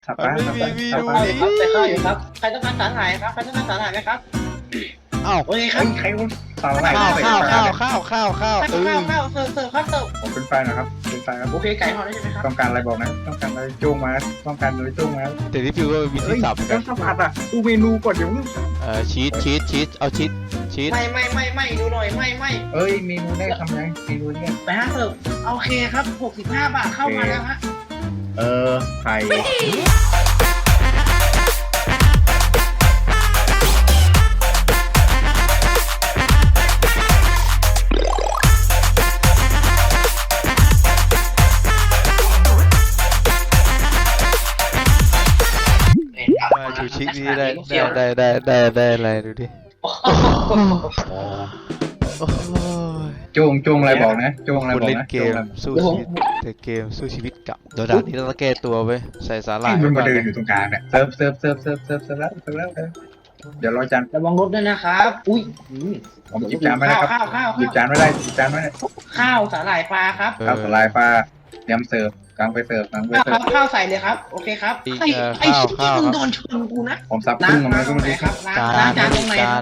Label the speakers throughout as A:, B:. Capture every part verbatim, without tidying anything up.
A: สับปะสับปะสับปะ
B: ครับใส่ข้าวอยู่ครับใครต้องการสาหร่ายครับใครต้องการสาหร่ายไหมครับ
C: อ้าว
B: โอเคค
A: เฮ้
B: รับ
A: ยใครมันสาหร่าย
C: ข้าว
A: ใส่
C: ข้าว
A: ปล
C: ข้าวข้าวข้าวข้าว
B: ข้าว
C: เออ
B: ข้าวข้าวเสิร์ฟเสิร์ฟครับเสิร์ฟ
A: ผมเป็นไฟนะครับเป็นไฟครับ
B: โอเคไก่ทอดได้ใช่ไหมครับ
A: ต้องการอะไรบอกนะต้องการอะไรจ้วงมาต้องการอะไรจ้วงมา
C: แต่ที่ฟิวก็มี
A: เฮ้
C: ที่
A: ย
C: สับเหมือน
A: ต้
C: กั
A: อน งสัมผัสอ่ะดูเมนูก่อนเดี๋ยว
C: เอ่อชีสชีสชีสเอาชีสชีส
B: ไม่ไม่ไม่ไม่ดูหน่อยไม่ไม่
A: เอ้ยเมนูแรกทำยังเมนูแรก
B: ไปฮะเสิร์ฟโอเคครับหกสิบห้าบาทเข้ามาแล้วฮะ
A: เออไข่
C: มาชูชีสนี่ได้ได้ได้ได้ได้อะไรดูดิโอ้ย
A: จ้วงจ้วงอะไรบอกนะจ้วงอะไร
C: คน
A: บอก
C: เล่น
A: นะ
C: เก
A: จ้วง
C: ม
A: อะไร
C: สู้ชีวิตแต่เกมสู้ชีวิตกับโดนด่านนี้เราต้องแก้ตัวไปใส่สาหร่าย
A: มัน
C: ก่
A: มา
C: อน
A: เดิน
C: เลย
A: อยู่ตรงกลางเนี่ยเซิร์ฟเซิร์ฟเซิร์ฟเซิร์ฟเซิร์ฟเซิร์ฟแล้วเซิร์ฟแล้วเดี๋ยวรอจาน
B: ระวังรถด้วยนะครับอุ้ย
A: ผมหยิบจานไม่ได้ครับ
B: ข้าวข้าว
A: หยิบ
B: ข้าว
A: จานไม่ได้หยิบจานไม่ได้
B: ข้าวสาหร่ายปลาครับ
C: เออ
A: ข้าวสลายปลาเตรียมเสิร์ฟกลางไปเสิร์ฟกลางไป
B: ข้าว
A: เสิ
B: ค
A: ร์ฟ
B: รับข้าวใส่เลยครับโอเคครับไอ้ไอ้ชิ้นที่มึงโดนชนกูนะ
A: ผมซับ
B: ล้า
A: พึ่
B: ง
A: งออกมา
B: ล้าง
A: ก็
B: ตรง
A: ไม่
B: ไหน
A: รู้
B: ครับล้าง
C: จา
B: ล้าง
C: น
B: จานตรงไหน
C: จา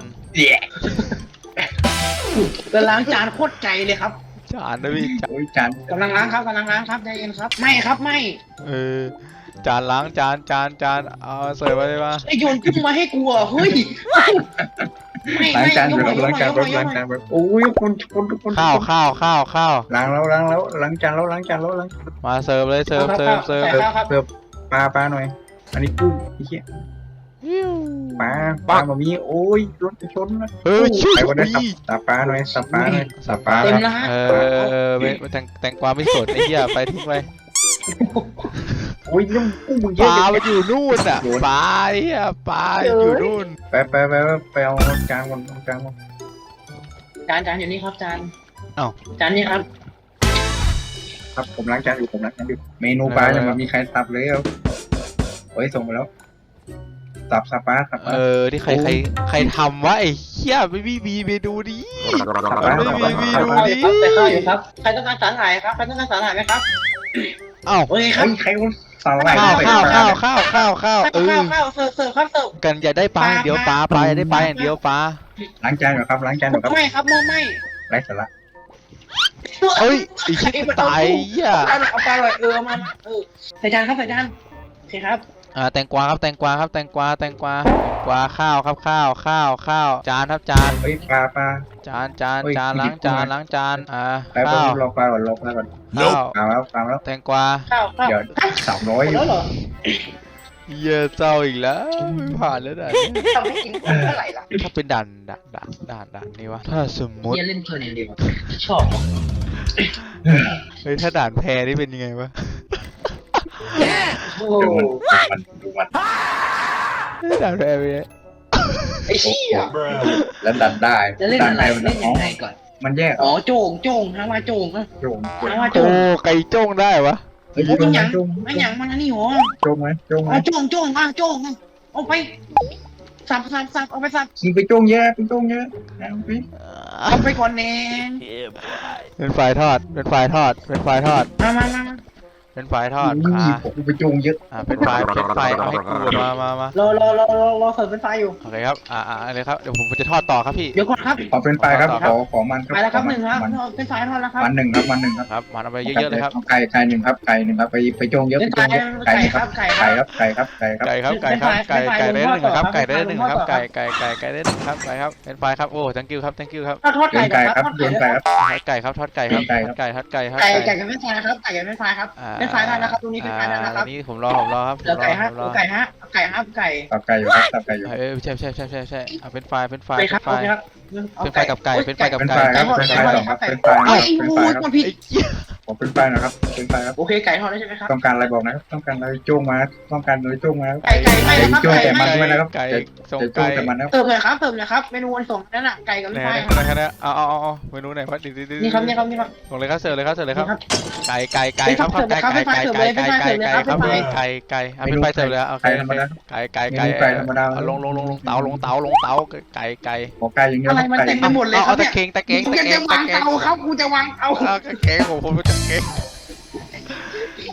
B: ครั
C: น
B: บจะล้างจานโคตรไกลเลยครับ
C: จานนะพี่จาน
A: โอ้ยจาน
B: กำลังล้างครับกำลังล้างครับใจเย็นครับไม่ครับไม่
C: เออจานล้างจานจานจานเอาเสิร์ฟมาเลยมา
B: ไอโยนกุ้งมาให้กูอ่ะเฮ้ยไม่
A: ล้าง
B: ไม่
A: จาน
B: ย
A: อก ยู่
B: มา
A: ครับ
B: ยก
A: ล้าง
B: มา
A: จาน
B: ยก
A: แบบ
B: มา
A: ล้างจานแบบโอ้ยคนคนทุกคน
C: ข้าวข้าวข้าวข้าว
A: ล้างแล้วล้างแล้วล้างจานแล้วล้างจานแล้วล้าง
C: มาเสิร์ฟเลยเสิร์ฟเสิร์ฟเสิร์ฟ
B: ใส่ข้าวครับ
A: เสิร์ฟปลาปลาหน่อย อันนี้กุ้งไอ้เหี้ยปลาปลาบะหมี่โอ้ยรถชนนะ
C: เฮ้ยชิ
A: ไป
C: ว
A: วันนี้สับสับปลาหน่อยสับปลาหน่อยสับปลา
B: เต็ม
A: ครับ
B: แล้วฮะ
C: เออเออเออไม่แตงแตงกวาไม่สดไอ้เหี้ยไปทิ้งไป
A: โอ้ยน้ำกุ้งมึงเย
C: ป
A: อะ
C: ลา
A: จัง
C: มันอยู่นู่นอ่ะปลาไอ้เหี้ยปลาอยู่นู่น
A: ไปไปไปไปเอาจานก่อนจานก่อน
B: จานจานอยู่นี่ครับจาน
C: เอ้า
B: จานนี้ครับ
A: ครับผมล้างจานอยู่ผมล้างจานอยู่เมนูปลายังไม่มีใครสับเลยเอาเฮ้ยส่งไปแล้วสับสับปลาสับปลา
C: เออที่ใครใครใครทำวะไอ้เหี้ยไม่มีมีเมนูนี้
A: สับปลา
C: ไม่
A: สับ
C: มี
A: ปลา
C: มี
A: สับ
C: ดู
A: ปลา
C: ดิ
B: ใส่ข้าวอยู่ครับใครต้องการสาหร่ายครับใครต้องการสาหร่ายไหมครับ
C: เอ้า
B: โอเคครับ
A: เฮ้ยใครมันสาหร่าย
C: ข้าว
A: ใส่
C: ข้าว
A: ปลา
C: ข้าวข้าวข้าวข้าวเอ
B: ข้าว
C: อ
B: ข้าวเสิร์ฟเสิร์ฟครับเสิร์ฟ
C: กันอย่าได้ปลาอย่างเดียวปลาปลาอย่าได้ปลาอย่างเดียวปลา
A: ล้างจานอยู่ครับล้างจานอยู่ครับ
B: ไม่ครับไม่ไม่
A: ไร้สาระ
C: เฮ้ยไอ้ชิบตายเหี้ย
B: เอาปลาหน่อยเออมาเออใส่จานครับใส่จานโอเคครับ
C: อ่าแตงกวาครับแตงกวาครับแตงกวาแตงกวาแตงกวาข้าวครับข้าวข้าวข้าวจานครับจาน
A: เฮ้ยปลาปลา
C: จานจาน
A: เฮ้ย
C: จาน
A: หยิ
C: ล้าง
A: บ
C: จาน
A: ขึ้นมา
C: ล้างจานอ่า
A: ไปไป
C: ข้าว
A: รอปลาก่อนรอปลาก่อน
C: ข้าว
A: ปลาแล้วปลาแล้ว
C: แตงกวา
B: ข้าวข้าว
A: เดี๋ยวสามร้อย
B: หมดแล้วเหรอ
C: เหี้ยเจ้าอีกแล้วไม่ผ่านแล้วด่านนี้
B: ทำให้กินคนเท่าไหร่ล่ะ
C: ถ้าเป็นด่านด่านด่านด่านด่านนี้วะถ้าสมมติ
B: เล่นเพลินอย่างเดียวชอบ
C: เฮ้ยถ้าด่านแพ้นี่เป็นยังไงวะ
B: โอ้
A: ดูมันดูมันดูมัน
C: ด่านแพ้เป็นไง
B: ไอ้เหี้ย
A: แล้วดันได้
B: จะเล่น
A: ดัน
B: อะไร
A: ได้มัน
B: เล่น
A: อ๋
B: ยั
A: อง
B: ไงก่อน
A: มันแยก
B: อ๋อโจ่งโจ่งฮะว่าโจ่งฮะ
A: โจงโจง
B: ฮะว่าโจ่
C: โอ้
B: ง
C: ไก่จ้งได้วะ
A: เฮ้ย
B: โอ้เป็นหยัง
A: โจง
B: ไม่หยังมันอันนี้หัว
A: โจงไหมโจงไหม
B: อ๋อโจ่งโจ่งอ่ะโจ่งอ่ะเอาไปสับสับสับเอาไปสับ
A: มึงไปโจงเยอะไปโจงเยอะเอาไป
B: เอาไปก่อนแน่
C: เป็นฝ่ายทอดเป็นฝ่ายทอดเป็นฝ่ายทอด
B: มามามา
C: เป็นฝ่ายทอด
A: อุ้
C: อ่าย
A: ผมไปโจงเยอะ
C: อ่าเป็นฝ่ายเป็นฝ่ายเอาให้กูมามามา
B: รอรอรอรอรอเสิร์ฟเป็นไฟอยู่
C: โอเคครับอ่าอ่าเลยครับเดี๋ยวผมจะทอดต่อครับพี่
B: เดี๋ยวก่อนครับ
A: ขอเป็นไฟครับขอขอมันครับ
B: ไปแล้วครับหนึ่งครับ
A: มัน
B: เป็นไฟทอดแล้วครับ
A: มันหนึ่งครับมันหนึ่งครับ
C: ครับมันเอาไปเยอะๆเลยครับ
A: ไก่ไก่หนึ่งครับไก่หนึ่งครับไปไปโจงเยอะ
B: เป็
A: ไป
B: น
A: โจ
B: ไฟ
A: งเยอะไก่
B: ไก่
A: หนึ่ง
B: ค
A: ค
B: รั
A: รั
B: บบ ไก่ครับ
A: ไก่ครับไก่ครับไก่ครับ
C: ไก่ครับไก่ครับไก่ไก่ได้หนึ่งครับไก่ได้หนึ่งครับ
B: เป็นไฟ
C: ไก่ไก่ไก่ไก่ได้หนึ่งครับไก่ครับเป็นฝ่ายครับโอ้ thank you ครับ thank you ครับ
B: ทอดทอด
A: โย
B: ไก่
A: นไก่ครับ
B: ทอด
A: โยน
B: ไก่
A: ไก่ครับ
C: ทอดไก่ครับทอดไก่ครับทอดไก่ทอดไก่ครับ
B: ไก่ไก่กับเป็นไฟนะครับไก่กับเป็นไฟครับเป็นไฟได้แล้วครับตรงนี้เป็นไฟได้แล้วครับ
C: นี่ผมรอผมรอครับผ
B: เหลือ
C: มรอ
B: ไก่ฮะ
C: ผมรอ
B: ไก่ฮะไก่ฮะไก่
A: ตับไก่อยู่ครับตับไก่อยู่
C: เออใช่ใช่ใช่ใช่ใช่เอาเป็นไฟเป็นไฟ
B: ไป
C: เป็
B: ครับ
C: นไฟ
B: โอเคครับ
C: เป็นไฟกับไก่เป็นไฟกับ
A: เป็น
C: ไก่
A: ไฟครับเป็นไฟสองครับเป็นไฟครับ
B: ไอ้
A: เป็น
B: งู
A: ไฟครับ
B: มันผิด
C: ไอ้เหี้ย
A: ผมเป็นไฟนะครับเป็นไฟครับ
B: โอเคไก่ทอดได้ใช่ไหมครับ
A: ต้องการอะไรบอกนะครับต้องการอะไรโจงมาต้องการอะไรโจงมา
B: ไก่ไก่ไม่นะครับ
A: โจ้
B: ไก่
A: แต่มั
B: ไม่
A: นด้วยนะครับ
C: ไก่ส่ง
A: จะโจ
C: ไก่
A: งแต่มันนะครับ
B: เติมเลยครับเติมเลยครับเมนูวันส่งนั่นน่ะไก่กับ
C: ไห
B: เป็น
C: น
B: ไฟ
C: ไหนไหนไหนเอาเอาเอาเมนูไหนวะดิดิดิ
B: นี่ครับนี่ครับนี่ครับ
C: ส่งเลยครับเสิร์ฟเลยครับเสิร์ฟเลยครับ
B: นี่ครับ
C: ไก่ไก่ไก่ครับครับไก่ไก่ไก่ไก่ไก่ไก่ไก่ครับไก่ไก่เอาเป็นไฟเสิร์ฟเลยโอเค
A: ไก่ธรรมดา
C: ไก่ไก่
A: เม
C: ไก่
A: นูไก่ธรรมดา
C: ลงลงลงลงเตาลงเตาลงเตาไก่ไก่
A: ขอไก่อย่างเดียว
B: อะไรมัน
A: ไก่
B: เต็มไปหมดเลยค
C: เอา
B: รับ
C: ตะ
B: เนี่ย
C: เกียงตะเกียง
B: กู
C: ตะ
B: จะ
C: เกียง
B: วางเตาครับกูจะวางเตา
C: เอาตะเกียงผมผมตะเกียง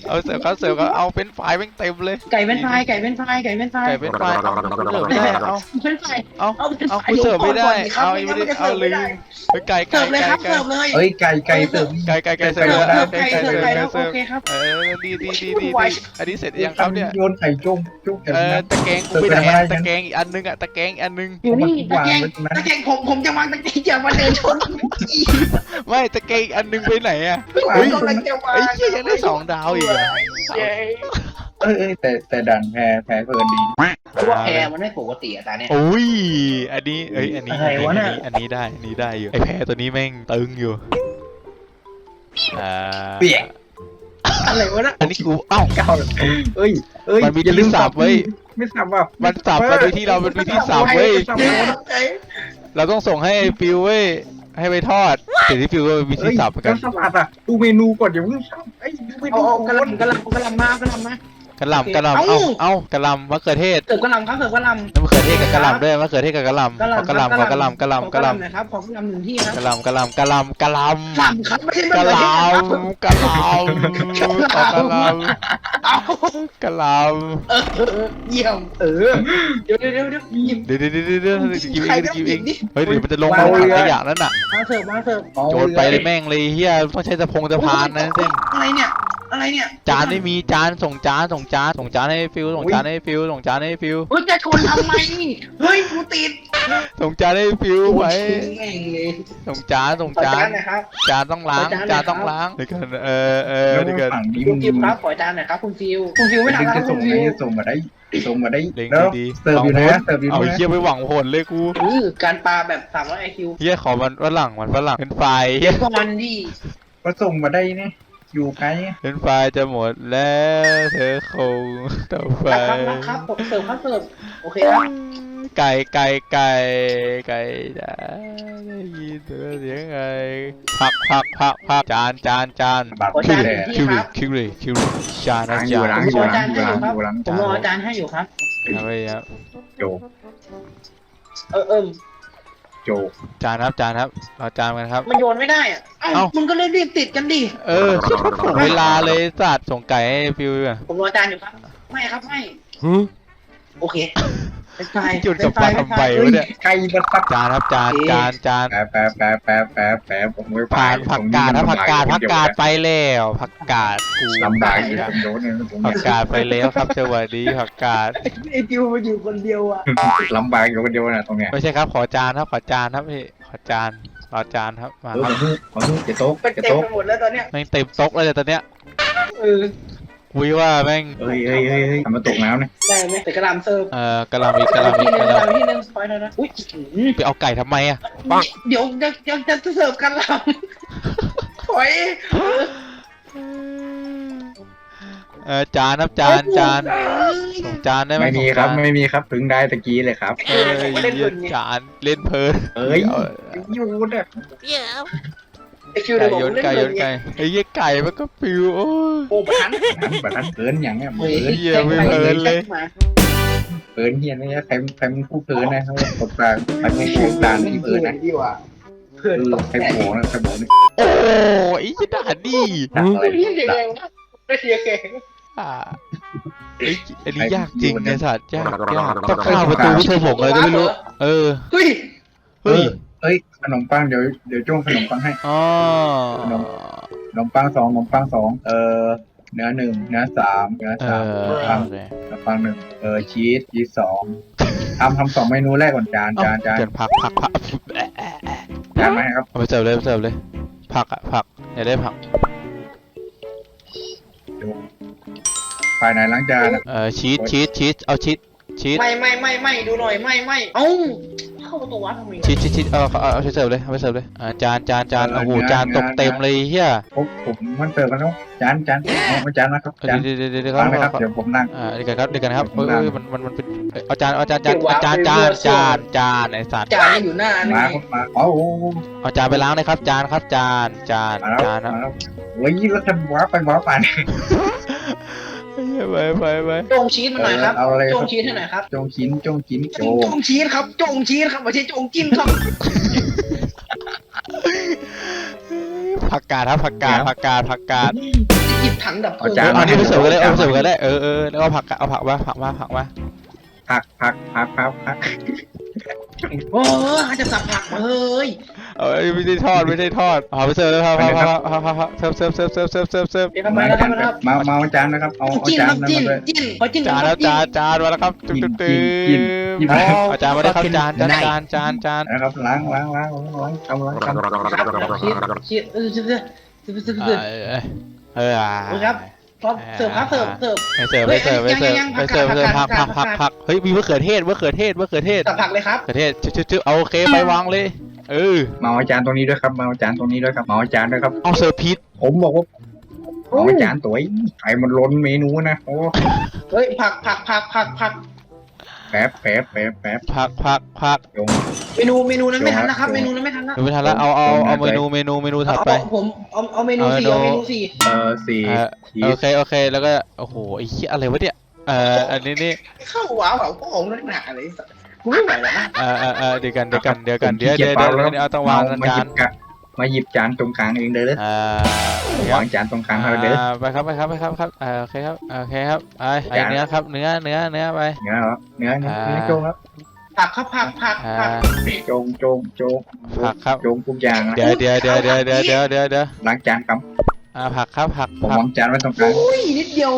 C: เอาเสิร์ฟครับเสิร์ฟครับเอาเป็นไฟแม่งเต็มเลย
B: ไก่เป็นไฟไก่เป็นไฟไก่เป็นไฟ
C: ไก่เป็นไฟเอาเสิร์ฟไม่ได้เอา
B: เป็นไฟ
C: เอา
B: เอาเป็น
C: เอา
B: ไฟ
C: กูเสิร์ฟไม่ได้
B: ครั
C: เอา
B: ไม่
C: ไม่
B: งั้น
C: ได้
B: มันจะ
C: เอา
B: เสิร์ฟ
C: ลื
B: ไม่ได้
C: มไก่ไก่
B: เสิร์ฟเลยครับ
C: ไก่
B: เสิร์ฟเลย
A: เอ้ยไก่ไก่เสิร์ฟ
C: ไก่ไก่ไก่เสิ
A: ไก่
C: ร์ฟ
A: ได้
B: ไก่เสิร์ฟไก่แล้วโอเคครับ
C: เออดีดีดีดีอันนี้เสร็จยังครับเนี่ย
A: โยนไข่จุ้งจุ้งกัน
C: เออ
A: นะ
C: ตะแกรงกูไปไหนอะตะแกรงอีกอันนึงอะตะแกรงอีกอันนึง
B: อยู่นี่
A: วา
B: ตะ
A: ง
B: แกรง
A: ไว้ตรงนั้น
B: ตะแกรงผมผมจะวางตะแกรงอย่ามาเดินชน
C: ไม่ตะแกรงอีกอันนึงไปไหนอะ
A: วาง
C: เฮ้ย
B: กำลังจะวาง
C: ไอ้เหี้ยยังได้สองดาวอีกอะ
B: เย้
A: เอ้ยเอ้ยแต่แต่ดันแพ้แพ้เพลินดี
B: คือว่าแพรมันไม่ปกติอะตาเนี่ย
C: โอ้ยอันนี้เอ้ยอันนี้
B: อะไรวะเนี่ย
C: อันนี้ได้อันนี้ได้อยู่ไอแพรตัวนี้แม่งตึงอยู่อ่า
A: เปียก
B: อะไรวะน่ะ
C: อันนี้กูเอ้า
A: เก้าเอ้ยเอ้ย
C: มันมี
A: อย่าลืม
C: ที่สับเว้ย
A: ไม่สับว่ะ
C: มันสับมาโดยที่เราเป็นวิธีสับเว้ย
A: สับ
B: เดี๋ยว
A: เว้ย
B: ตกใจ
C: เราต้องส่งให้ไอ้ฟิวเว้ยให้ไปทอดเดี๋ยวที่ฟิวก็มีวิธี
A: เอ้ย
C: สับเหมือนกั
A: แล้
C: น
A: วสลัดอ่ะดูเมนูก่อนอย่าเพิ่งสับไอ้ยดูเม
B: เอา
A: นู
B: เอา
A: ก่
B: กระ
A: อน
B: ลำกระลำกระลำมากระลำมาก
C: ระหล่ำกระหล่ำ
B: เอ้า
C: เอ้าเอ้ากระหล่ำมะเขือเทศ
B: เสิร์ฟกระลำครับเสิร์ฟกระลำ
C: น้ำมะเขือเทศกับกระหล่ำด้วยมะเขือเทศกับกระหล่ำ
B: กระลำ
C: ขอกระหล่ำขอกระหล่ำกระหล่ำกระหล่ำ
B: นะครับขอกระลำหนึ่งที่ครับ
C: กระหล่ำกระหล่ำกระหล่ำกระหล่ำ
B: ลำครับไม่ใช่
C: กระ
B: มะ
C: ห
B: เขือ
C: ล่
B: เทศครับ
C: ำกระหล่ำขอกระหล่
B: เอา
C: ำกระหล่ำ
B: เออเออเยี่ยมเออเดี๋ยวเดี๋ยวเดี๋ยวเดี๋ยวหยิบ
C: เดี๋ยวเดี๋ยวเดี๋ยวเดี๋ยวเดี๋ยวกินเองกินเอง
B: ดิ
C: เฮ้ยเดี๋ยวมันจะลงมาถังขยะนั่นน่ะ
B: มาเสิร์ฟมาเสิร์ฟ
C: โจรไปเลยแม่งเลยเฮียต้องใช้สะพงสะพานนะเส้น
B: อะไรเนี่ยอะไรเนี่ย
C: จานไม่มีจานส่งจานส่งจานส่งจานให้ฟิวส่งจานให้ฟิวส่งจานให้ฟิว
B: เฮ้ยจะชนทำไมเฮ้ยกูติด
C: ส่งจานให้ฟิวไว้
B: แม่งเลย
C: ส่งจานส่ง
B: ขอ
C: จา
B: จาน นหนะครับ
C: จานต้องล้าง
B: ขอจานหน่อย
C: จานต้อง
B: ครับ
C: ล้างเดี๋ยวกันเออเออ
A: แล้ว
C: เดี๋ยวกัน
A: ฝั่งนี้
B: คุ
A: มั
B: ณ
A: น
B: ฟิวครับขอจานหน่อยครับคุณฟิวคุณฟิวไม่
A: ดึง
B: ทำแล้ว
A: จะ
B: คุ
A: ส่ง
B: ณ
A: ไง
B: ฟิว
A: ส่งมาได้ส่งมาได้
C: เล็ง
A: แล้ว
C: ดี
A: เสิร์ฟอยู่นะเสิร์ฟอยู่
C: เอา
A: นะ
C: เฮียไปหวังผลเลยกู
B: อือการปลาแบบสามร้อยไอคิว
C: เฮียขอมันฝรั่งมันฝรั่งเป็นไฟเฮีย
B: ก็มันดี
A: ก็ส่งมาได้เนี่ยอยู่ไกล
C: เป็นไฟจะหมดแล้วเธอคงต่อไป
B: ครับครับครับผมเสิร์ฟครับเสิร์ฟโอเคครับ
C: ไก่ไก่ไก่ไก่จะได้ยินเสียงไงผักผักผักผักจานจานจาน
A: บัตร
B: ขอ
A: คิ
B: จาน
A: ว
B: ห
A: แห
B: นึ่
A: ละ
B: ง
C: คิ
B: ที่
C: ว
B: ค
C: ริ
B: รับ
C: คิวริคิวริจานนะ
A: ล้างอ
C: จา
A: ยู่
C: น
A: ล้าง
B: ผม
A: อยู่
B: รอ
A: ล้าง
B: จาน
A: อยู่
B: ให้
A: ล้าง
B: อยู่ครับ
A: อยู่ล้าง
B: ผม
A: จาร
B: อน จานให้อยู่ครับ
A: โจ
B: เออเอิม
A: โจ
C: จานครับจานครับเราจานกันครับ
B: มันโยนไม่ได้อ่ะเอ้า
C: เอ้า
B: มึงก็เลยรีบติดกันดิ
C: เออถ่วงเวลาเลยสัตว์ส่งไก่ให้ฟิวอ่ะ
B: ผมรอจานอยู่ครับไม่ครับไม่โอเคเป็นไฟ
C: จุดกับ
B: เป็น
C: ปลา
B: ไฟ
C: ทำไมวะเนี่ย
A: ไก่บัตร
C: จานครับจานจานจาน
A: แป๊บแป๊บแป๊บแป๊บแป๊บแป๊บผมไม่
C: ผ่านผักกาดครับผักกาดผักกาดไปแล้วผักกาดกู
A: ลำบากอยู่ผมโดนเนี่ยผม
C: ผักกาดไปแล้วครับสวัสดีผักกาด
B: ไอจิวมาอยู่คนเดียวอ่ะ
A: ลำบากอยู่คนเดียวนะตรงเนี้ย
C: ไม่ใช่ครับขอจานครับขอจานครับพี่ขอจานขอจานครับมา
A: เออ
C: ครับ
A: ขอโทษขอโทษจะโต๊ะ
B: เป็น
A: จะ
B: เต็ม
A: โต๊ะ
B: ไปหมดแล้วตอนเนี้ย
C: แม่งเต็มโต๊ะเลยตอนเนี้ย
B: เออ
C: วิว่าแม่ง
A: เอ้ยเอ้ยเอ้ยเอ้ยทำมาตกน้ำเนี่ย
B: ได้ไหมแต่กระลำเสิร์ฟ
C: เอ่อกระหลำอีกกระหลำอี
B: ที่
C: ก
B: ห
C: ก
B: นึ่ง
C: ระ
B: ก
C: ห
B: ระ
C: ลำ
B: ลำที่หนึ่งปล่อยแล้วนะอุ้ย
C: ไปเอาไก่ทำไมอ่ะ
B: เดี๋ยวจะจะจะเสิร์ฟกระลำถอย
C: เออจานครับจานจานส่งจานได้ไหม
A: ไม่มี
C: ส่ง
A: ครับ
C: จาน
A: ไม่มีครับถึงได้ตะกี้เลยครับ
C: เอ้ยเหี้ยจานเล่นเพลิน
A: เอ้ย
C: อา
A: อยู่เนี่ย
B: ไอคิวเดี๋
C: ไก่
B: ยวผม
C: โยน
B: เล่น
C: ไก่
B: เล
C: โย
B: ย
C: นไก่ไอ้เหี้ยไก่มันก็ปิวโอ้ย
B: โอ้ประทัน
A: แบบนั้นเกินอย่างเงี้ย
B: เฮ้ย
A: เกิน
C: เหี้ยไม่เพลินเลย
B: มา
A: เกินเฮียนี่ใครใครมันคู่เกินนะเขาตกกลางใครไม่คู่กลางที่เกินนะ
B: ดีว่ะเพื่อน
A: เออ
B: ตก
A: ใครโผล่นะใครโผล่นี่
C: โอ้ยไอ้ยี่ด่าดิ
A: ดักอะไร
B: เรียกยังไง
A: ดัก
B: วะไม่เรียกแกง
C: อ่าไอ้อันนี้ยากจริงไอ้สัตว์ยากยากต้องข้ามประตูไม่ใช่ผมอะไรก็ไม่รู้ เออ
B: เฮ้ย
C: เฮ้ย
A: เอ้ยขนมปังเดี๋ยวเดี๋ยวจ้วงขนมปังให้
C: อ๋อ
A: ขนมปังสองขนมปังสองเออเนื้อหนึ่งเนื้อสามเนื้อ
C: เอ
A: สาม
C: อ
A: ขนมปัง
C: โอเค
A: ขนมปังหนึ่งเออชีสชีสสองทำทำสองเมนูแรกก่อนจาน
C: เอ้า
A: จานจาน
C: เกินผักผักผัก
A: จานไหมครับ
C: เอาไปเสิร์ฟเลยไปเสิร์ฟเลย ผักอะผักอยากได้ผัก
A: ดูภายในล้างจานอะ
C: เออชีสชีสชีสเอาชีสชีส
B: ไม่ไม่ไม่ไม่ดูหน่อยไม่ไม่เอ้าเข้าประตูวัดทำไม
C: ชีสชีสชีสเอาเอาเอาไปเสิร์ฟเลยเอาไปเสิร์ฟเลยอ่าจานจานจานโอ้โหจานตกเต็มเลยเฮีย
A: ผมผมมันเติมกันแล้วจานจานเอามาจานนะครับจาน
C: เดี๋ยวเดี๋ยวเดี๋ยวเดี๋ยว
A: วางนะครับ
C: เขา
A: เดี๋ยวผมนั่ง
C: อ่าเดี๋ยวกันครับเดี๋ยวกันครับเอ้ยเอ้ยมันมันมันเป็นเอ้ยเอาจานเอาจานจานเอาจานจานจานจานไอ้สัตว์
B: จานนี่อยู่หน้านี่
A: มาครับมาอ๋อโอ้โห
C: เอาจานไปล้างเลยครับจานครับจานจาน
A: มาแล้ว
C: จานนะ
A: มาแล้วโอ้ยแล้วจะว้าไปว้าไปเนี่ย
C: ไปไปไป
B: จงชีสมาหน่อยครับ
A: เอาอะไร
B: จ
A: ครั
B: ง
A: บ
B: ชีสให้หน่อยครับ
A: จงชิ้นจงชิ้นโจ
B: จงชีสครับจงชีสครับไม่ใช่จงจิ้นครับ
C: ผักกาดครับผักกาดผักกาดผักกาด
B: ยหยิบถังดับเพลิง
A: เอาจาน
C: เอานี่ไปเสิร์ฟกันเลยเอาไปเสิร์ฟกันได้เออเออแล้วเอาผักเอาผักมาผักมาผักมา
A: ผักผักผักผักผัก
B: โอ้ยจะสับผักมาเฮ้ย
C: เอ้ยไม่ได้ทอดไม่ได้ทอดเอาไปเสิร์ฟเลยครับครับครับครับครับเสิร์ฟเสิร์ฟเสิร์ฟเสิร์ฟเสิร์ฟเสิร์ฟเสิร์ฟ
B: เดี๋ยวทำไม
A: มา
B: แล้ว
A: จา
B: ทำ
A: น
B: ไมแล้ว
A: มามาเอาจานนะครับเอาเอา
B: จิ้น
A: จา
B: คน รับ
A: นั้น
B: จิ้น
A: มาเลย
B: จิ้นขอจิ้น
C: จานแล้วจานจานมาแล้วครับตึ๊ดตึ๊ดตึ๊ดเอาจานมาได้ครับจานจานจานจานจาน
A: นะครับล้างล้างล้างล้างล้างทำล้างทำ
B: ครับเชียร์เออเชียร์เชียร์เชียร์เชียร์เชียร์
C: เออเออ
B: ครับครับเสิร์ฟครับเสิร์ฟเสิร์ฟ
C: ไปเสิร์ฟไปเสิร์ฟไปเสิร์ฟไปเสิร์ฟเสิร์ฟผักผักผักผักเฮ้ยมีมะเขือเทศมะเขือเทศมะเขือเทศ
B: สับผักเลยครับ
C: มะเขือเทศชึ๊บชึ๊บเอาโอเคไปวางเลยเออ
A: มาเอาจานตรงนี้ด้วยครับมาเอาจานตรงนี้ด้วยครับมาเอาจานด้วยครับ
C: เอาเสิร์ฟพิษ
A: ผมบอกว่าเอาจานตัวไอ้มันล้นเมนูนะโอ้
B: เฮ้ยผักผักผักผักผัก
A: แป๊บแป๊บแป๊บแป๊บ
C: ผักผักผัก
A: ยง
B: เมนูเมนูนั้นไม่ทันนะครับเมนูนั้นไม่ทันนะ
C: ไม่ทันแล้วเอาเอาเอาเมนูเมนูเมนูถัดไป
B: เอาผมเอาเอาเมนูสี่เอาเมนูสี่
A: เออสี่
C: เออ
A: ชี
C: โอ
A: ส
C: เคโอเคแล้วก็โอ้โหไอ้เหี้ยอะไรวะเนี่ยเอ่ออันนี้นี่
B: เข้าว้าวเขาก็องนักหนาเลยกูไม่ไหวแล้วนะ
C: เอ่อเอ่อเอ่อเดี๋ยวกันเดี๋ยวกันเดี๋ยวกันเดี๋ยวเดี๋ยวเดี๋ยวเดี๋ยวเอาต้องวาง
A: มา
C: จาน
A: หยิบกะมาหยิบจานตรงกลางเองเด้อ
C: อ่า
A: วางจานตรงกลางเขาเด้อ
C: ไปครับไปครับไปครับครับเออโอเคครับโอเคครับไอ้ไอ้เนื้อครับเนื้อเนื้อเนื้อไป
A: เนื้อเหรอเนื้อเนื้อเนื้อโจงครับ
B: ผักครับผักผัก
C: อ่า
B: ผัก
A: โจงโจงโจง
C: ผักครับ
A: โจงทุกอย่างนะ
C: เดี๋ยวเดี๋ยวเดี๋ยวเดี๋ยวเดี๋ยวเดี๋ยวเดี๋ยวเดี๋ยว
A: ล้างจานครับ
C: อ่าผักครับผัก
A: ผม
C: ผัก
A: วางจานไว้ตรงกลาง
B: อุ้ยนิดเดียว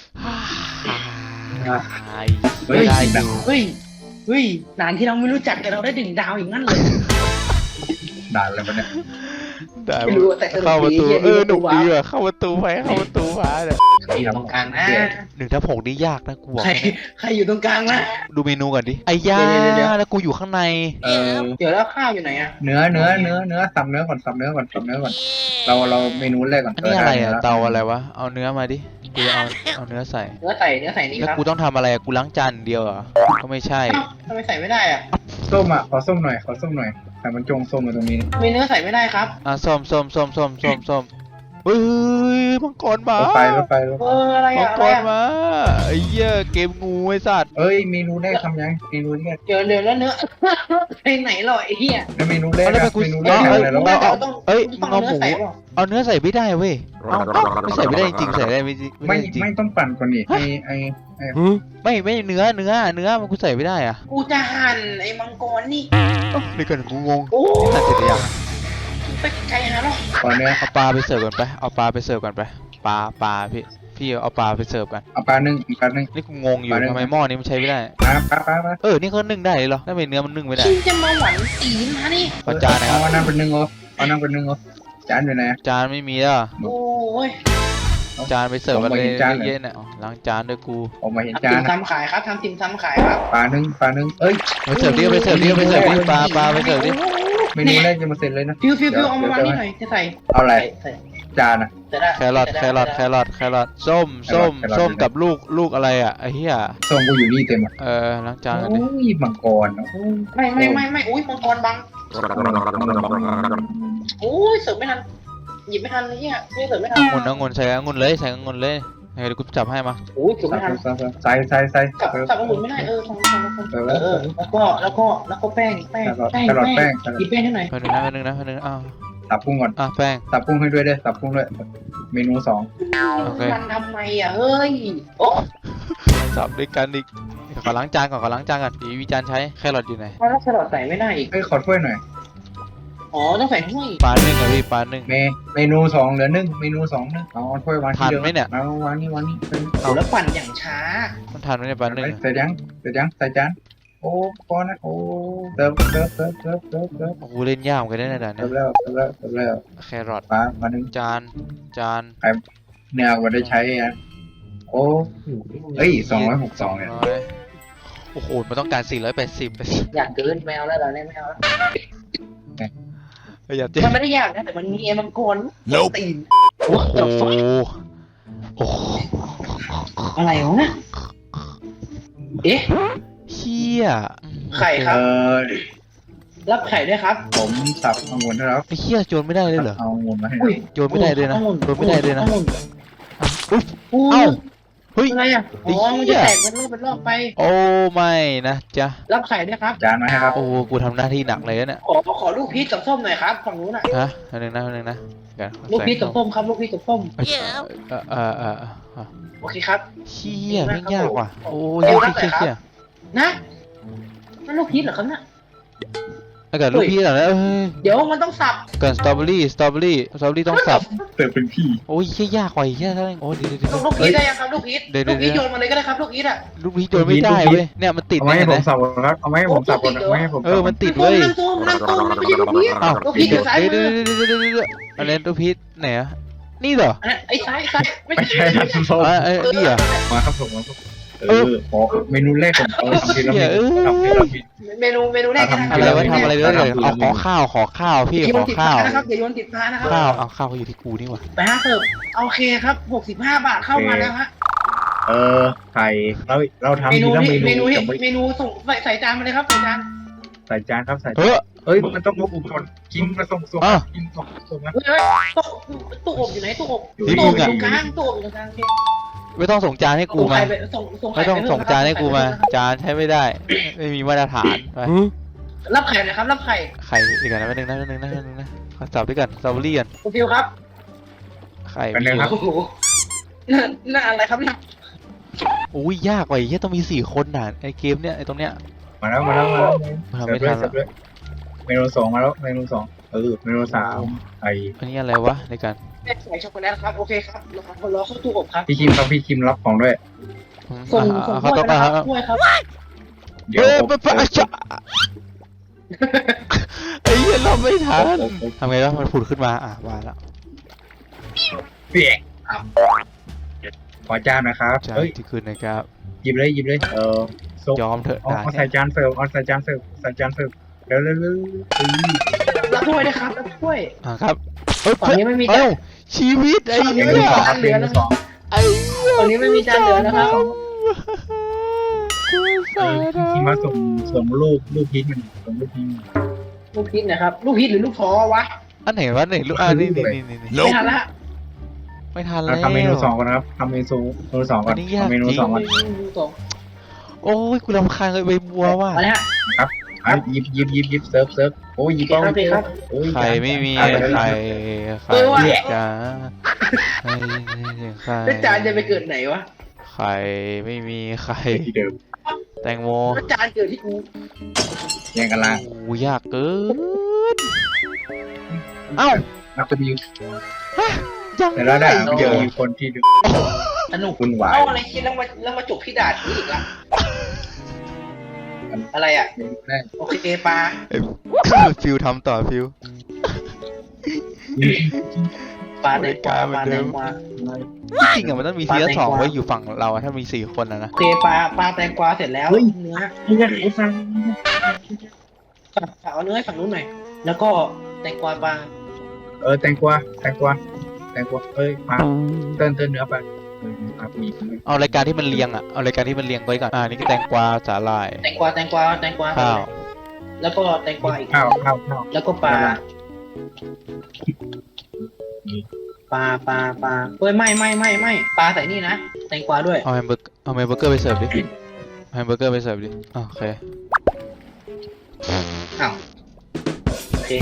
A: เฮ้ย
C: ได้อยู่
B: เฮ้ยเฮ้ยนานที่เราไม่รู้จักแต่เราได้ดึงดาวอย่างนั้นเลย
A: ด่าอะไรวะเนี่ย
C: ได้
B: ไม่รู้แต่สนุก
C: เข้าประตู
B: ดี
C: เออหนุกดี
B: เหี้ย
C: ว่ะเข้าประตูไปเข้าประตูมาเนี่ย
B: ใครอยู่ตรงกลางนะ
C: หนึ่งทับหกนี่ยากนะกูบอก
B: ใครใครอยู่ตรงกลางนะ
C: ดูเมนูก่อนดิไอ้ย่า
B: เดี๋ยวเดี๋ยว
C: แล้วกูอยู่ข้างใน
A: เออ
B: เดี๋ยวแล้วข้าวอยู่ไหนอะ
A: เนื้อเนื้อเนื้อเนื้อสับเนื้อก่อนสับเนื้อก่อนสับเนื้อก่อนเราเราเมนูแรกก่อน
C: อันนี้อะไรอ่ะ
A: ด้
C: เตาอะไรวะเอาเนื้อมาดิกูจะเอาเอาเนื้อใส่
B: เนื้อใส่เนื้อใส่นี่
C: แล้ว
B: ครับ
C: กูต้องทำอะไรอะกูล้างจานเดียวเหรอก็ไม่ใช่
B: เอ้าทำไมใส่ไม่ได้อะ
A: ส้มอ่ะขอส้มหน่อยขอส้มหน่อยแต่มันจงส้มมาตรงนี้
B: มีเนื้อใส่ไม่ได้ครับ
C: อ่ะส้มส้มส้มส้มส้มส้มเฮ้ยมังกรมาร
A: ถไฟรถไฟรถ
B: เอ
A: ไฟ
B: ออะไร
C: มั
B: อะ
C: ง
B: อะ
C: ก
B: ไร
C: ร
B: อะ
C: มาไอ้เหี้ยเกมงูไอ้สัตว์
A: เอ้ยเมนูแรกทำยังเมนูแรก
B: เดี๋ยวเดี๋ยวแล้วเนื้อ ไปไหนหรอไอ้เหี้ย
A: แล้วเมนูแรก
C: เอาแล้วไป
A: อะ
C: กู
A: เมนูแร
C: เอา
A: ก
C: เอ้ย
A: อะไรแล้ว
C: เอาเอา
B: ต้อง
C: เอ้ย
B: ต้
C: มึ
B: อง
C: งเอาหมู
B: เนื้อใส่เปล่า
C: เอาเนื้อใส่ไม่ได้เว้ยเอาเอาไม่ใส่ไม่ได้จริงๆใส่ได้ไม่จริง
A: ไม่
C: ไม่ได้จริง
A: ไม่ต้องปั่นก่อนนี่ไอไอไอ
C: ไม่ไม่เนื้อเนื้อเนื้อมันกูใส่ไม่ได้อ่ะ
B: กูจะหั่นไอ้มังกรนี่
C: นี่ก่อนกูงง
B: โอ้
C: นี่ตัดเสร็จหรือยัง
B: ไปไกลหาหรอ
A: ขอเนื้อ
C: เอาปลาไปเสิร์ฟก่อนไปเอาปลาไปเสิร์ฟก่อนไปปลาปลาพี่พี่เอาปลาไปเสิร์ฟกัน
A: เอาปลาหนึ่งอีกปลาหนึ่ง
C: นี่กูงงอยู่
A: ปลาได้
C: ทำไมหม้อนี้มันใช้ไม่ได้
A: ปลาปลาปลาปลา
C: เออนี่เขานึ่งได้เลยเหรอทำไมเนื้อมันนึ่งไม่ได้
B: ชิงจะมาหวานตีนมานี่
C: เอาจานนะครับ
A: เอานั่งเป็นหนึ่งเหรอเอานั่งเป็นหนึ่งเหรอจานอยู่ไหน
C: จานไม่มีแล้วเหรอ
B: โอ้ย
C: จานไปเสิร์ฟอะไร
A: ผมไม่เห็นจานเลย
C: เยอะๆเนี่ยอ๋อล้างจานด้วยกู
A: ออกมาเห็น
B: ทำ
A: จา
B: ติ่
A: น
B: ม
A: นะ
B: ซำขายครับทำติ่มซำขายครับ
A: ปลาหนึ่งปลาหนึ่งเอ้ย
C: ไปเสิร์ฟดิไปเสิร์ฟดิไปเสิร์ฟดิปลาปลาไปเสิร์ฟดิ
A: เมนูแรกจะมาเสร็จเลยนะ
B: ฟิวฟิวฟิวเอามาวางนี่หน่อยจะใส่
A: เอาอะไร
B: ใส่
A: จานอ่ะ
B: ใส่ได้
C: แครอทแครอทแครอทแครอทส้มส้ม
A: แครอท
C: ส้ม
A: อยู่ไหน
C: กับลูกลูกอะไรอ่ะไอ้เหี้ย
A: ส้มกูอยู่นี่เต็มอ่ะ
C: เออล้างจานกัน
A: โอ้
C: ดิ
A: ยมังกรโอ้ย
B: ไม่ไม่ไม่ไม่อุ้ยมังกรบังโอ้ยเสิร์ฟไม่ทันหยิบไม่ทันเลยเนี่ยเสิร์ฟไม่ทัน
C: องุ่นองุ่นใส่องุ่นเลยใส่องุ่นเลยเดี๋ยวกูจับให้มา
B: โอ้ยเสิร์ฟไม่ทัน
A: ใส่ใส่ใส่
B: สับ
A: เออ
B: สับองุ่นไม่ได้เออทำทำทำ
A: เออ
B: เออเออแล้วก็แล้วก็แล้วก็แป้งแป้งแป้ง
A: แครอท
B: แป้
A: แป้
B: ง
A: ง
B: หยิบแป้งให้หน่อย
C: แป๊บนึงนะแป๊บนึงนะแป๊บนึงอ้าว
A: สับกุ้งก่อน
C: อ่ะแป้ง
A: สับกุ้งให้ด้วยเด้อสับกุ้งด้วยเมนูสอง
C: โอเค
B: มันทำไมอ่ะเฮ้ยโอ้
C: สับด้วยกันอีกขอล้างจานก่อนขอล้างจานก่อนอีวิจานใช้แครอทอยู่ไหน
B: แล้วแครอทใส่ไม่ได้อีก
A: เอ้ยขอถ้วยหน่อย
B: อ๋อต้องใส่ถ้วย
C: ปลาหนึ่งอะพี่ปลาหนึ่ง
A: เมเมนูสองเหลือหนึ่งเมนูสองหนึ่งเอาถ้วยวางที่เดิม
C: ทันไหมเนี่ย
A: เอาวางนี่วางนี่
B: โอ้แล้วปั่นอย่างช้า
C: มันทานไหมเนี่ยปลาหนึ่งอะ
A: ใส่ยังใส่ยังใส่จานโอ้พอนะโอ้เติมเติมเติมเติมเติมเติม
C: โอ้โหเล่นยากเหมือนกันได้ในด่าน
A: เติ
C: เนี่ย
A: มแล้วเติมแล้วเติมแล้ว
C: แครอท
A: ปลามาหนึ่ง
C: จานจาน
A: เนื้อวันได้ใช้อ่ะโอ้เอ้ยสองร้อยหกสองเนี่ย
C: ร้อยโอ้โหมันต้องการสี่ร้อยแปดสิบ
B: อยากเกินแมวแล้วเราเนี่ยแมวแล้ว
C: อย่าเจ๊
B: มันไม่ได้ยากนะแต่มันมีเอมังกรตีน
C: โอ้โหโอ้โห
B: อะไรวะเอ๊ะ
C: เชี่ย
B: ไข่ค
A: เอ
B: รับ
A: อ
B: รับไข่ด้วยครับ
A: ผมสับองุ่นให้แล้ว
C: ไอ้เชี่ยโจรไม่ได้เลยเหรอ
A: เอาองุ่นมาให้
B: อุ้ย
C: โจรไม่ได้เลยนะโจรไม่ได้เลยนะ
B: องุ่น
C: อุ๊ย
B: อุ้
C: เอ้ายเฮ้ย
B: อะไรอ่ะอ๋อมันจะแตกเป็นรอบเป็นรอบไป
C: โอ้ไม่นะจ๊ะ
B: รับไข่ด้วยครับ
A: จานมาให้ครับ
C: โอ้กูทำหน้าที่หนักเลยนะเนี่ย
B: ขอขอลูกพีชกับส้มหน่อยครับฝั่งนู้นอ่ะ
C: ฮะอันหนึ่งนะอันหนึ่งนะเดี๋ยวขอ
B: ลูกพีช
C: ใส่
B: กับส้มครับลูกพีชกับส้ม
C: เอ้ยเออเออเออเออ
B: โอเคครับ
C: เชี่ยไม่งยากว่ะโอ้ย
B: เดี๋ยว
C: เชี่ย
B: รับหน่
C: เชี่
B: อย ย
C: เชี่ย
B: นะนั่นลูกพีชเหรอครับเนี่ย
C: ถ้าเกิดลูกพี่เหรอเนี่ยเอ้ย
B: เดี๋ยวมันต้องสับ
C: เกิดสตรอเบอรี่สตรอเบอรี่สตรอเบอรี่ต้องสับ
A: เติมเป็นพี่
C: โอ้ยเชี่ยยากกว่าอีกเชี่ยเท่านั้นโอ้ยเดี๋ยวเดี๋ยว
B: ลูกพีชได้ยังครับลูกพีช
C: เดี๋ยวเดี๋
B: ลู
C: ยว
B: กพีชโยนมาเลยก็ได้ครับลูกพีชอ่ะ
C: ลูกพี่โดนไม่ได้เว้ยเนี่ยมันติด
A: เอาไว้ให้
C: เนี่ย
A: ผม
C: นะ
A: สับก่อนครับเอาไว้ให้ผมสับก่อนเอาไว้ให้ผม
C: เออมันติด
B: นั่ง
C: เว้ย
B: ตรงนั่งตรงนั่งตรงไม่ใช่ลูกพีช
C: อ้าว
B: ลูกพีชอยู่ซ้าย
C: เดี๋ยว
B: มื
C: เดี๋ยว
B: อ
C: เดี๋ยวเดี๋ยวเดี๋ยวเดี๋ยวอะไรลูกพี่ไหนอะนี่เหรอ
B: อันนั้นไอ้ซ้ายซ้ายไม่
A: ไม่
B: ใช่
A: ใช่ครับส้ม
C: อ่าเอ้ยนี่เหรอ
A: มาครับผมมาครับเออขอเมนูแรกผมเอาทำทีละเม
C: เอ
A: นู
C: อ
A: ทำทีละเมนู
B: เมนูเมนูแรก
C: อะไรวะทำอะไรเลยเลยเอาขอข้าวขอข้าวพี่
B: อย่าโย
C: ขอน
B: ติด
C: ข้า
B: ฟ้าว นะครับอย่าโยนติดฟ้านะครับ
C: ข้าวเอาข้าวเขาอยู่ที่กูนี่หว่า
B: ไปฮะเสิร์ฟโอเคครับหกสิบห้าบาทเข้ามาแล้วฮะ
A: เออไข่เราเราทำ
B: เมนู
A: ทีละ
B: นี้
A: เม
B: เมนู
A: นู
B: นี้
A: จะไม่
B: เมนูส่งใส่ใส่จานมาเลยครับใส่จาน
A: ใส่จานครับใส่
C: เฮ้ย
A: เอ้ยมันต้องพกอุปกรณ์กินมาส่งส่ง
C: อ้าว
A: กินส่งส่งนะ
B: เฮ้ยเฮ้ยตู้ตู้อบอยู่ไหนตู้อบ
A: อยู่
C: ที่
B: ตู้
C: มึ
B: อบ
C: ง
B: อยู่
C: อะ
B: ตรงกลางตู้อบอยู่ตรงกลางโอเค
C: ไม่ต้องส่งจานให้กู
B: ส่ง
C: มา
B: ไข่ไปส่งส่ง
C: ไม่
B: ไข่
C: ต้อง
B: ไป
C: ส่งจานให้กูมา จานใช้ไม่ได้ ไม่มีมาตรฐานไป
B: รับไข่หนะครับรับไข่
C: ไข่อีกอันนะแป๊บนึงนะแป๊บนึงนะแป๊บนึงนะขอจับด้วยกันสตรอเบอรี่กัน
B: คุณฟิวครับ
C: ไข่
A: กัน
C: มี
A: เลย
C: อยู่
A: ครับ
B: โอ้โหน่าน่าอะไรครับน่า
C: อุ้ยยากกว่าอีกเหี้ยต้องมีสี่คนน่ะไอเกมเนี้ยไอตรงเนี้ย
A: มาแล้วมาแล้วมาแล้ว
C: ทำไม่ทัน
A: เสิร์ฟ
C: ละ
A: ด้วยเมนูสองมาแล้วเมนูสองเออเมนูสามไอ
C: อันนี้อะไรวะในการ
B: ใส่ช็อกโกแลตครับโอเคครับรอรอเข้าตู้อบครับ
A: พี่คิมครับพี่คิมรับของด้วย
B: ส่ง
C: อ่า
B: ส่ง
C: เขา
B: ถ้วย
C: ต้อง
B: นะ
C: อ่า
B: ครับถ้วยครับ
A: เดี๋ยว
C: เฮ้ย
A: ผม
C: มันปะจ๊ะไอ้เหี้ยเราไม่ทัน
A: ผมผม
C: ทำไงวะมันผุดขึ้นมาอ่ะมาแล้ว
A: เปียกขอจานนะครับ
C: จาน
A: เฮ้ย
C: ที่คืนนะครับ
A: หยิบเลยหยิบเลยเออส่ง
C: ยอมเถอะ
A: เอา
C: ด่า
A: เอา
C: เนี่
A: ใส่
C: ย
A: จานเสิร์ฟเอาใส่จานเสิร์ฟใส่จานเสิร์ฟเร็วเร็วเร็วเออ
B: รับถ้วยนะครับรับถ้วย
C: อ่ะครับเอ้ย
B: ฝั่งนี้ไม่มี
C: เอ้าชีวิตไอ้
B: ฝั่งนี้
C: เหี้
B: ไม่
C: ย
B: มีจานเหลือนะ
A: สอง
C: ไอ้เหี้ย
B: ฝั่งนี้ไม่มีจานเหลือนะครับ
C: กู
A: เอ
C: สา
A: อ
C: ด
A: ที่มาส่งส่งรูปรูปพีชมันส่งรูปพีชมัน
B: ลูกพีชนะครับลูกพีชหรือลูกท้อวะ
C: อันไหนวะไหนลูกอ่ะนี่นี่นี่นี่นี่
B: ไม่ทันละ
C: ไม่ทันแล้
A: เรา
C: ว
A: ทำเมนูสองก่อนนะครับทำเมนูเมนูสองก่อน
C: อันนี้ยาก
A: ทำเมนู
C: จริง
A: สองก่อน
B: สอง
C: โอ้ยกูรำคาญเลยใบบัวว่ะ
B: มาเลยฮะ
A: อ่ะหยิบหยิบหยิบหยิบเซิร์ฟเซิร์ฟโอ้ยหยิบ
B: โอ
A: เอา
B: เคครับ
A: โอ้ย
C: ไข่ไม่มี
A: อ่ะ
C: ไข่ไข่
B: เออว่ะ
C: จ้าไข่ไข่
B: แล้วจานจะไปเกิดไหนวะ
C: ไข่ไม่มีไข่
A: ที่เดิม
C: แตงโม
B: แล้วจานเกิดที่กู
A: แย่งกันล่าง
C: โอ้ยากเกินเอ้า
A: นักจะมี
C: ยัง
A: แต่ละด่าน
C: ไม่
A: มัน
C: เจ
A: จะ
C: อ
A: มีคนที่ดู
B: สนุก
A: วุ่นวาย
B: เอาอะไรคิดแล้วมาแล้วมาจบที่ด่านนี้อีกละอะไรอ่ะ
A: เมนูแรก
B: โอเคปลา
C: ฟิวทำต่อฟิว
B: ปลาแดงกวาปลาแดงกวา
C: จริงๆอะมันต้องมีซีซั่นสองไว้อยู่ฝั่งเราอะถ้ามีสี่คนอะนะ
B: โอเคปลาปลาแตงกวาเสร็จแล้วเนื้อ
A: นี่จะขายฟัง
B: เอาเนื้อให้ฝั่งนู้นหน่อยแล้วก็แตงกวาปลา
A: เออแตงกวาแตงกวาแตงกวาเอ้ยมาเติมเติมเนื้อไปเออครับมี
C: เอารายการที่มันเรียงอะเอารายการที่มันเรียงไว้ก่อนอ่านี่ก็แตงกวาสาหร่าย
B: แตงกวาแตงกวาแตงกวา
C: ข้าว
B: แล้วก็แตงกวาอีก
A: ข้าวข้าวข้าว
B: แล้วก็ปลาปลาปลาปลาเฮ้ยไม่ไม่ไม่ไม่ปลาใส่นี่นะแตงกวาด้วย
C: เอาแฮมเบอร์เอาแฮมเบอร์เกอร์ไปเสิร์ฟดิเอาแฮมเบอร์เกอร์ไปเสิร์ฟดิอ่ะโอเค
B: อ้าวโอเค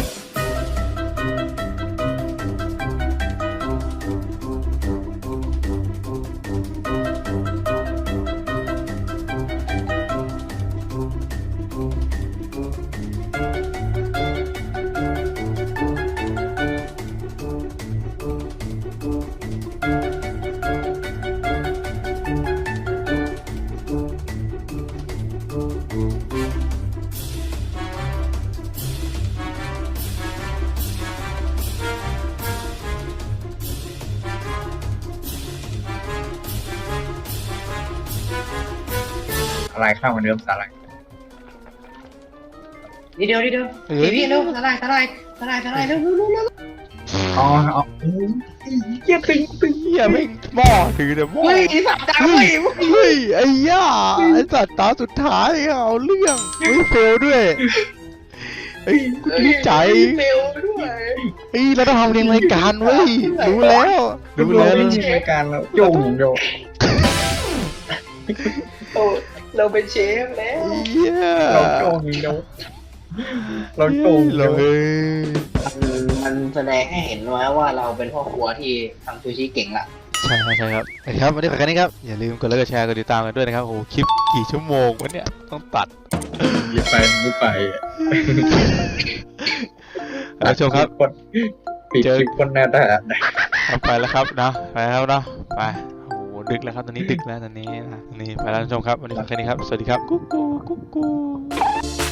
A: อะไรข้าวเหมือนเดิมสาหร่าย
B: นิดเดียวนิดเดียวทีวีเร็วสลายสลายสลายสลายเร็วเร็วเร็วเร็ว
A: อ๋อเอาเยี่ยตึงตึง
C: เฮียไม่งหม้อถือเดี๋ยวหม้อ
B: เฮ้ยไอ้สัตว์ดาว
C: เฮ้
B: เฮ้
C: ย
B: ย
C: เฮ้ยไอ้ย่าไอ้สัตว์ตาสุดท้ายเอาเรื่องเฮ้ยเฟลด้วยเฮ้ยกูดีใจ
B: เร็วด้วย
C: เฮ้ยเราต้องทำเรียงรายการเว้ยรู้แล้วรู้แล้ว
A: ไม่มีรายการแล้วโยงโยง
B: โอ้เราเป็นเชฟแล้ว
C: เหี้ย
A: เราโกงเนาะเราโกง
C: เล
A: เนาะ
C: ย
B: มันมันแสดงให้เห็นว่าว่าเราเป็นพ่อครัวที่ทำซูชิเก่งละ
C: ใช่ครับใช่ครับโอเคครับวันนี้ขอแค่นี้ครับอย่าลืมกดไลค์กดแชร์กดติดตามกันด้วยนะครับโอ้โหคลิปกี่ชั่วโมงวะเนี่ยต้องตัด
A: อย่าไปไม่ไป
C: ผู้ชมครับ
A: คนปิดคลิปคนหน้าด่า
C: เอาไปแล้วครับนะไปแล้วนะไปโอ้โหดึกแล้วครับตอนนี้ดึกแล้วตอนนี้นะตอนนี้ไปแล้วท่านผู้ชมครับวันนี้ขอแค่นี้ครับสวัสดีครับกุ๊กกูกุ๊กกู